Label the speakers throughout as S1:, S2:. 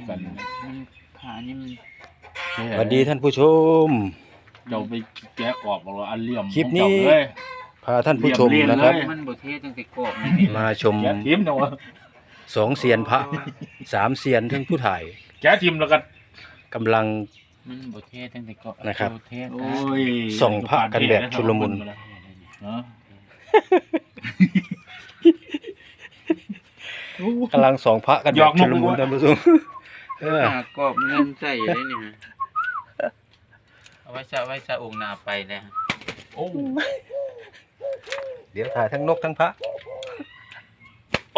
S1: กัน
S2: มันขานี่มัน
S3: สวัสดีท่านผู้ชม
S1: เจ้าไปแกะออกบอกว่าอันเหลี่ยม
S3: คลิปนี้
S1: ของเจ้าเลย
S3: พาท่านผู้ชมนะครับ
S2: มันบ่เทตั้งแต่กรอบนี่
S3: มาชม
S1: แกะทิมเนาะ
S3: 2 เซียนพระ 3 เซียนทั้งผู้ถ่าย
S1: แกะทิมแล้วกัน
S3: กำลัง
S2: มันบ่เทตั้งแต่กรอบ
S3: นะครับ
S2: เท
S1: โอ้ย
S3: ส่องพระกันแบบชุลมุน
S1: เนาะ
S3: กำลังส่องพระกันแบบชุลมุนท่านผู้ชมเออ
S2: หากรอบเงินใส่ได้นี่ฮะเอาไว้ซะองค์หน้าไปนะ
S1: โอ้
S3: เดี๋ยวถ่ายทั้งนกทั้งพระ
S1: โอ้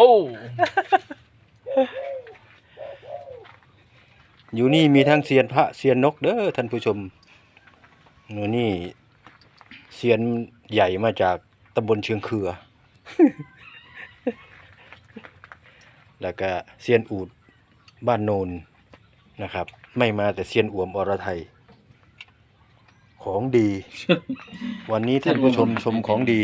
S3: อยู่นี่มีทั้งเซียนพระเซียนนกเด้อท่านผู้ชมหนูนี่เซียนใหญ่มาจากตำบลเชียงเขือ แล้วก็เซียนอูดบ้านโนนนะครับ ไม่มาแต่เซียนอ่วมอรไทย ของดี วันนี้ท่านผู้ชมชมของดี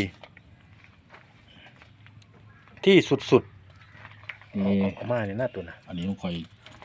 S3: ที่สุดๆ
S1: นี่
S3: เอามาในหน้าตัวนะ
S1: อันนี้ต้องคอย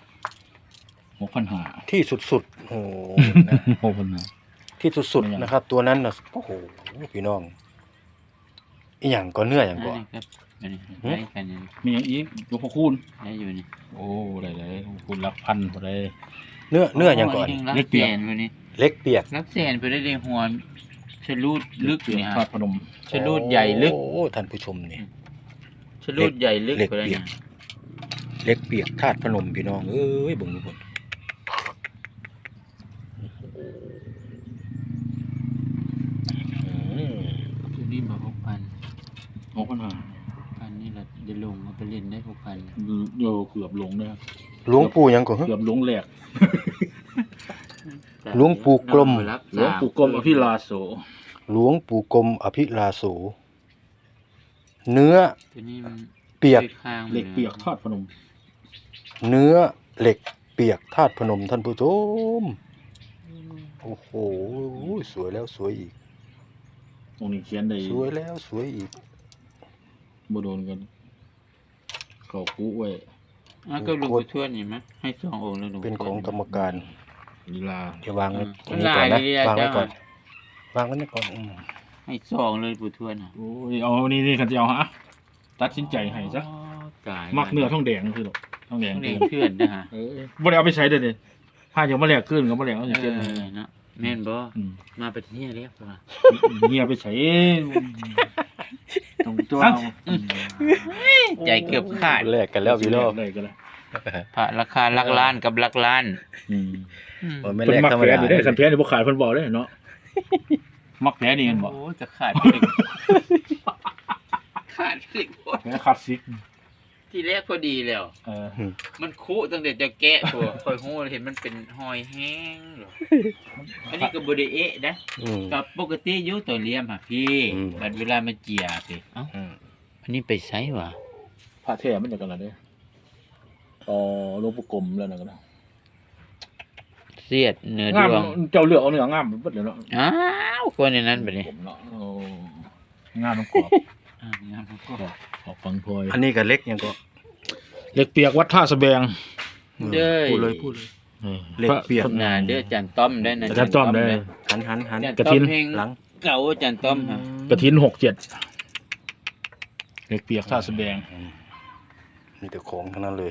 S1: 6,500
S3: ที่สุดๆโอ้โหนะ
S1: 6,500
S3: ที่สุดๆนะครับ ตัวนั้นนะโอ้โหพี่น้องอีหยังก็เนื้ออย่างก็
S2: อันนี้ครับอันนี้ได้กันนี่
S1: มีอย่างอีกยกพระคูณ
S2: ได้อยู่นี่
S1: โอ้ได้คูณหลักพันบ่ได้
S3: เนื้ออย่างก่อน
S2: เล็กเปลี่ยนวันนี้
S3: เล็กเปียก
S2: รักแสนไปได้เลยหัวชะลูดลึก
S1: เปลี่ยน
S2: เนี่ย
S1: ธาตุพนม
S2: ชะลูดใหญ่ลึก
S3: โอ้ท่านผู้ชมนี่
S2: ชะลูดใหญ่ลึก
S3: เล็ก
S2: ไปได้
S3: เปีย
S2: เนี่
S3: ก
S2: ย
S3: เล็กเปียกธาตุพนมพี่น้องเอ้ยเบิ่งทุกคนอืม
S2: ตัวนี้มา
S1: 6,500
S2: พันนี่แหละจะลงมาไปเล่นได้6,000
S1: โยเกือบหลงเลยครับ
S3: หลวงปู่หยังก่อน
S1: เกือบหลงแหลก
S3: หลวงปู่กลม
S1: หลวงปู่กรมอภิลาโส
S3: หลวงปู่กรมอภิลาโสเนื้อ
S2: ตัวนี้มัน
S3: เปียก
S2: ข้าง
S1: เหล็กเปียกธาตุพนม
S3: เนื้อเหล็กเปียกธาตุพนมท่านผู้ชมโอ้โหสวยแล้วสวยอีก
S1: ตรงนี้เขียนได้
S3: สวยแล้วสวยอีก
S1: บ่โดนกันเขาคุไว้
S2: ก็หลวงปู่ทวดนี่มั้ยให้2องค์แล้วหลวงปู่
S3: เป็นของกรรมการ
S1: ลีลา
S3: เดี๋ยววางไว้ตร
S2: มั
S3: ง
S2: น
S3: นี้ก่อน
S2: ลา
S3: นะ
S2: ยดีๆ
S3: วางไว้
S2: จ้ะ
S3: ก่อนวางไว้นี่ก่อน
S2: ให้2เลยปู่ทวดน่ะ
S1: โอ้ยเอานี่คันจะเอาฮะตัดสินใจให้ซะ
S2: ตาย
S1: มักเนื้อทองแดงคือดอกทองแดง
S2: เด็กเพื่อนนะฮะ
S1: บ่ได้เอาไปใช้เด้อถ้าอย่างมาแลกขึ้นก็บ่แลกเอาอย่างเช่น
S2: เนาะแม่นบ่
S1: อืม
S2: มาไปที่นี่เรียกว่า
S1: เงียไปใช้
S2: ตรงตัวเอาใจเกือบขาด
S3: แลกกันแล้วพี่น้อง
S1: ได้ก็ได้
S2: พระราคาหลักล้านกับหลักล้าน
S1: อืม
S3: ไม่
S1: เพิ่
S3: แล
S1: น
S3: ก
S1: มัก
S3: ธรรม
S1: แผล
S3: ดา
S1: นี่ได้คันแผลนี่บ่ขายเพิ่นบอกได้เนาะมักแผลนี่กันบ่
S2: โอ้จะขาดไปถึงขาดไปถึง
S1: แผลคลาสสิก
S2: ที่แรกพอดีแล้ว มันคุตั้งแต่จะแกะตัวคอยหูเห็นมันเป็นหอยแห้งหรออันนี้ก็บไดเอะนะ
S3: อืม
S2: กับปกติอยุตัวเลี้ยมค่ะพี่
S3: อืม
S2: บัดเวลามาเจียพี่เอ้า
S3: อืม
S2: อันนี้ไปไซวะ
S1: พระแท้มันจะกันละเด้อ๋อหลวงปู่กรมแล้วนั่นก็ได้
S2: เสียดเนื้อด
S1: งาม
S2: วง
S1: เจ้าเลือกเอาเนื้องามเบิดเลยเนาะ
S2: อ้าวคนในนั้นไปเลย
S1: ผมเนาะโอ้งามน้ำกรอบ
S2: งามก็
S1: ขอบฟังพลอย
S3: อันนี้ก็เล็กยังก็
S1: เหล็กเปียกวัดท่าสะแบง
S2: เด้อ
S3: พูดเลยเล็กเปียก
S2: น่ะเด้อจันต้อมได้นะ
S1: อาจารย์ต้อมได้
S3: หันหัน
S2: จัน
S1: กระ
S2: ต้อ
S1: ทิ
S2: ม
S1: น
S2: เพลง
S3: หลัง
S2: เก่าจันต้อมฮะ
S1: กระถิน67เหล็กเปียกท่าสะแบง
S3: มีแต่ของทั้งนั้นเลย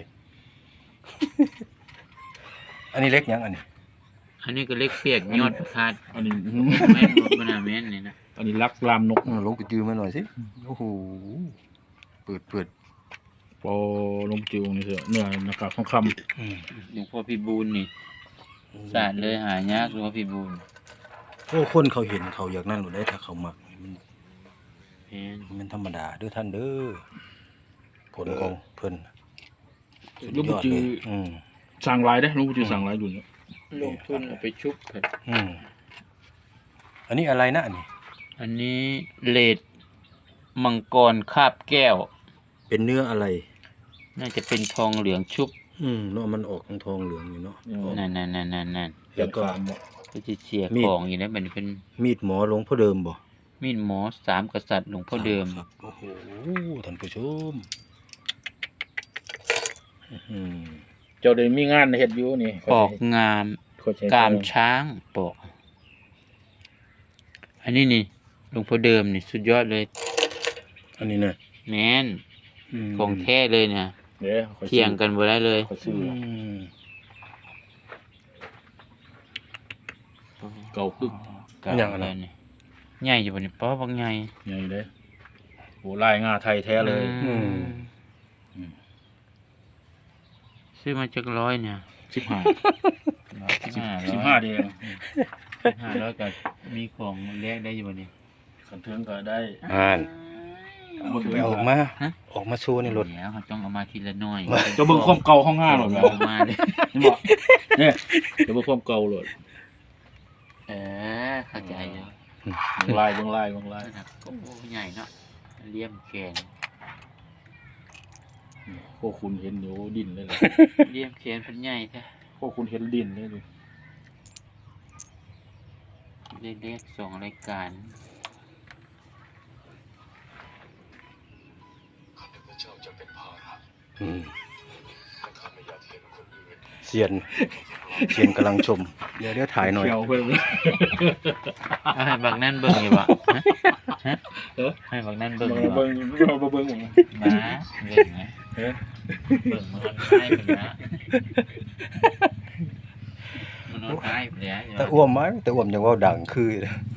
S3: อันนี้เล็กยังอันนี้
S2: อันนี้ก็เล็กเปียกยอดประทาด
S1: อันนี้
S2: แม่นบ่น่าแม่นนี่นะ
S1: อันนี้ลักลามนก
S3: ลงไปจือมาหน่อยสิโอ้โหเปิด
S1: ปอลมจิวนี่เถอะเนื้อหน้ากากทองค
S3: อืม
S2: หลวงพ่อพี่บูลนี่สาดเลยหายากหลวงพ่อพี่บูล
S3: โอ้คนเขาเห็นเขาอยากนั่นหรือได้ถ้าเขามักมัน
S2: แม่น
S3: มันธรรมดาเด้อท่านเด้อผลของเพิ่น
S1: ำหลวงปู่จือ
S3: อืม
S1: สั่งลายได้หลวงปู่จือสั่งลายอยู่เนี่ย
S2: ลงทุนเอาไปชุบเถอะ
S3: อืมอันนี้อะไรนะอันนี้
S2: อันนี้เลดมังกรคาบแก้ว
S3: เป็นเนื้ออะไร
S2: น่าจะเป็นทองเหลืองชุบ
S3: เนาะมันออกทองเหลืองอยู่เนาะออก
S2: นั่น
S3: แล้วก็
S2: ก็จะเสีย
S3: มีด
S2: ของอยู่นะมันเป็น
S3: มีดหมอหลวงพ่อเดิมบ่
S2: มีดหมอสามกษัตริย์หลวงพ่อเดิม
S3: ครับโอ้โหท่านผู้ชมอื้อหือ
S1: จ้าได้มีงานเฮ็ดอยู่นี่
S2: ปอกงาม
S1: ข้อยใช้
S2: กามช้างปอกอันนี้นี่หลวงพ่อเดิมนี่สุดยอดเลย
S3: อันนี้นะ
S2: แม่นของแท้เลยเนี่ย
S1: เด้อข้อ
S2: เถียงกันบ่ได้เลย
S1: ข้อยซื้อเก่าปึ๊ก
S2: อย่างอะไรนี่ใหญ่อยู่บ่นี่ป้อบางใหญ่
S1: ใหญ่เด้อโหลายงาไทยแท้เลย
S2: ซื้อมาจากร้อยเนี่ย
S1: 15 15เด้อ
S2: 500ก็มีของแลกได้อยู่บ่นี่
S1: คันเทิงก็ได้
S3: อ่านไปออกมา
S2: ฮะ
S3: ออกมาสู้ในรถ
S2: แล้วเขาต้องเอามาทีละน้อย
S1: เจ้าเบิ่งความเก่าของงาหรอก
S2: เอามาเลย
S1: นี่บ่เนี่ยเจ้าเบิ่งความเก่าโลด
S2: เข้าใจอยู่
S1: เบิ่งลาย
S2: นะครับโอ้โหใหญ่เนาะเลี่ยมแกน
S1: พวกคุณเห็นอยู่ดินเลยล่ะ
S2: เลี่ยมแกนเพิ่นใหญ่แท้
S1: พวกคุณเห็นดินเลยดิ
S2: ได้เลข2รายการ
S3: อืมเซียนกำลังชม เดี๋ยวถ่ายหน่อย
S1: เขียวเพิ่น
S2: เอาให้บักนั่นเบิ่งอยู่บ่ฮะให้บักนั่นเบิ่งอยู่บ่
S1: เบิ่งบ่เบิ่ง
S2: มาเบิ่งนะเบิ่งมันให้เพิ่นนะมันนอนให้เพิ่นแล้ว
S3: แต่อ้วมไหมแต่อ้วมยังว่าดังคือ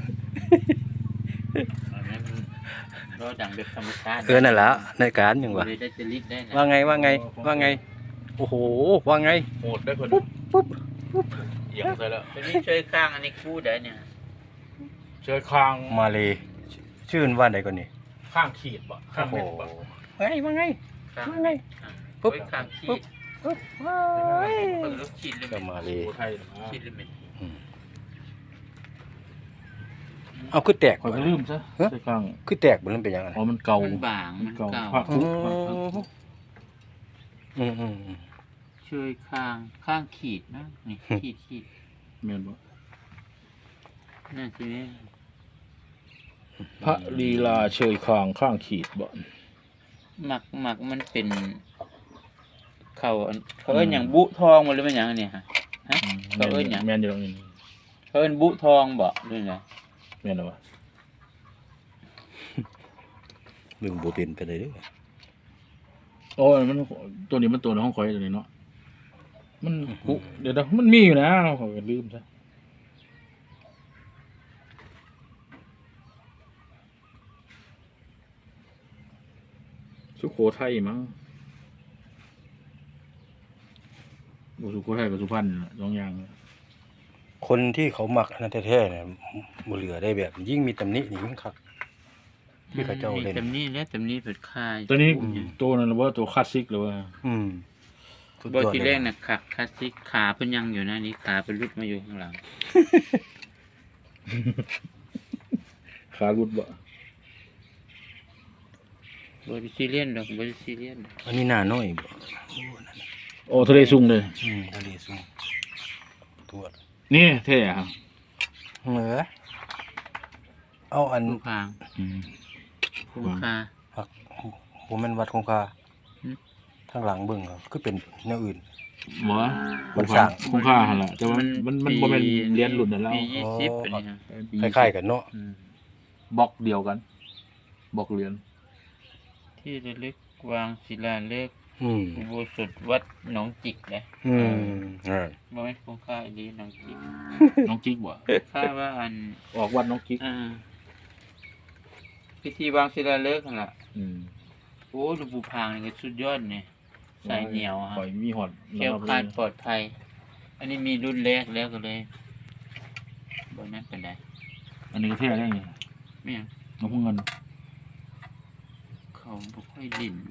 S2: รอดังแบบธรรมชาติ
S3: นั่นแหละในการยังวะ
S2: เลยได้จะลิดได้นะ
S3: ว่าไงโอ้โหว่าไง
S1: โหดได้เพิ่น
S3: ปุ๊บ
S1: เอียงใส่แล้ว
S2: ตัวนี้ช่วยข้างอันนี้คู่ได้เนี่ย
S1: เจอคาง
S3: มาเลยชื่นว่าไหนก่อนนี่
S1: ข้างขีดบ่ข้างเม็ดบ่
S3: ว่าไง
S2: ข้าง
S3: ว่าไง
S2: ปุ๊บข้างขี
S3: ปุ๊บ
S2: ด
S3: ปุ๊บว้าย
S2: เปิดลูกขีดเลย
S3: ก็มาเลย
S1: โอ้ไทยนะ
S2: ขีดเลย
S3: เอาคือแตก
S1: ข่อยก็ลืมซะเจอคาง
S3: คือแตกมันเป็นยังไง
S1: อ๋อมันเก่า
S2: มันบางมันเก่า
S1: ภาคทุก
S3: อืม
S2: ช่วยข้างขีดนะนี่ขีด
S1: แม่นบ่
S2: นั่นใช่ไหม
S1: พระลีลาเชยคางข้างขีดบ่
S2: หมักมันเป็นเขาเอิ้นอย่างบุทองมันหรือเป็นอย่างเนี่ยฮะเขาเอิ้นหยัง
S1: แม่นอยู่ตรงนี้
S2: เขาเอิ้นบุทองบ่หรือไง
S1: แม่นบ่
S3: มึงบ่เป็นไปเลยเด้อ
S1: โอ้ยมันตัวนี้มันตัวในห้องข่อยตัวนี้เนาะมันกุเดี๋ยวมันมีอยู่นะข่อยก็ลืมซะสุโขทัยมั้งบ่สุโขทัยกับสุพรรณน่ะสองอย่าง
S3: คนที่เขามักอันนั้นแท้ๆเนี่ยบ่เหลือได้แบบ ยิ่งมีตำหนินี่ยิ่งคักที่เขาเจ้าเล่น
S2: ตำนี้และตำนี้เป็นค่าย
S1: ตัวนี้ตัวนั้นว่าตัวคลาสสิกเลยว่า
S3: สุด
S2: บ่
S3: ยอด
S2: ที่
S3: เล
S2: แร
S3: ย
S2: กน่ะขักคลาสสิกขาเพิ่นยังอยู่นะนี่ขาเพิ่นหลุดมาอยู่ข้างหลัง
S1: ขารุดบ่
S2: บ่ได้ซีเรียสดอกบ่ได้ซีเรียสดอก
S3: อันนี้หน้าน้อยบ่
S1: โอ้ทะเลซุงเลย
S3: ทะเลสูงตัว
S1: นี่เท่ครับ
S3: เหนือเอาอัน
S2: คู่คางคู่คา
S3: หักบ่แม่นวัดคงคา
S2: อืม
S3: ทางหลังเบิ่งอะคือเป็นแนวอื่น
S1: บ่
S3: มันสร้าง
S1: คุ้มค่าหั่นล่ะแต่ว่ามันบ่แม่นเรียนรุ่นนั่นแล้ว
S2: ปี20เป็นนี่ฮะ
S3: คล้ายๆกันเนาะ
S1: บล็อกเดียวกันบล็อกเรียน
S2: ที่ระลึกวางศิลาฤกษ์
S3: อืม
S2: อุโบสถวัดหนองจิกนะ
S3: อ่า
S2: บ่แม่นคู่คาอีหลีหนองจิก
S1: น้องจิ๊กบ่
S2: ค่าว่าอัน
S1: ออกวัดน้องจิ๊ก
S2: พิธีวางศิลาฤกษ์นั่นล่ะ
S1: อืม
S2: โอ้หลวงปู่พางนี่ก็สุดยอดนี่สายเหนียวฮะ
S1: ข่อยมีฮอด
S2: แคล้วคลาดปลอดภัย อันนี้มีรุ่นแรกแล้วก็เลยบ่นั้นเป็นได
S1: อันนี้ก็เท่ได้ไง
S2: ไม่หยัง
S1: น้องพวกเงิน
S2: เขาบ่ค่อยลิ้น